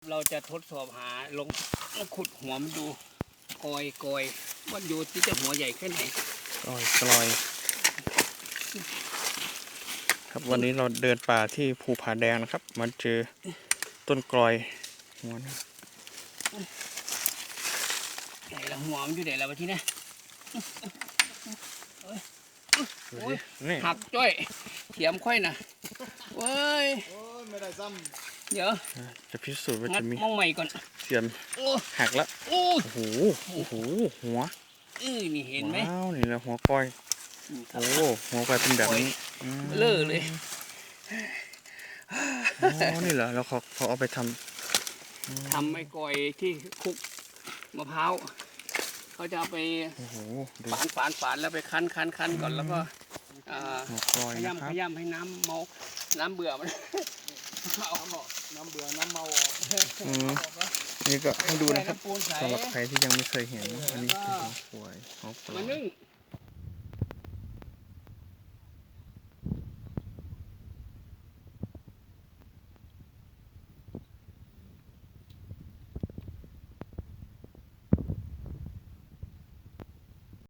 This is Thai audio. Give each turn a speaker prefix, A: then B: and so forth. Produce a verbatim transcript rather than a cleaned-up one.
A: เราจะทดสอบหาลงขุดหัวมันดูกอยกอยว่าอยู่ที่จะหัวใหญ่แค่ไหน
B: กลอยกลอยครับวันนี้เราเดินป่าที่ภูผาแดงนะครับมาเจอต้นกลอยหัวนะ
A: ไหนละหัวมันอยู่ไหนละวะที่นี่
B: นี่
A: หักจ้อยเขียมค่อยนะเว้ย
C: ไม่ได้ซ้
A: ำเดี๋ยว
B: จะพิสูจน์ว่าจะมี
A: มองใหม่ก่อน
B: เสียมหักแล้วโอ้โหโอ้โหหัว
A: เออนี่เห็นไหม
B: ว้าวนี่แหละหัวก้อยโอ้หัวก้อยเป็นแบบนี้
A: เล่อเลย
B: อ๋อนี่เหรอแล้วเขาเขาเอาไปท
A: ำทำไม้ก้อยที่คุกมะพร้าวเขาจะเอาไปฝานฝานฝานแล้วไปคั้นคั้นคั้นก่อนแล้วก็ขยำขยำให้น้ำเมาน้ำเบื่อมันเอา
C: น้ำเบื่อน้ำเมาออก
B: นี่ก็ให้ดูนะครับสำหรับใครที่ยังไม่เคยเห็นอันนี้คือหัวควายหัวควาย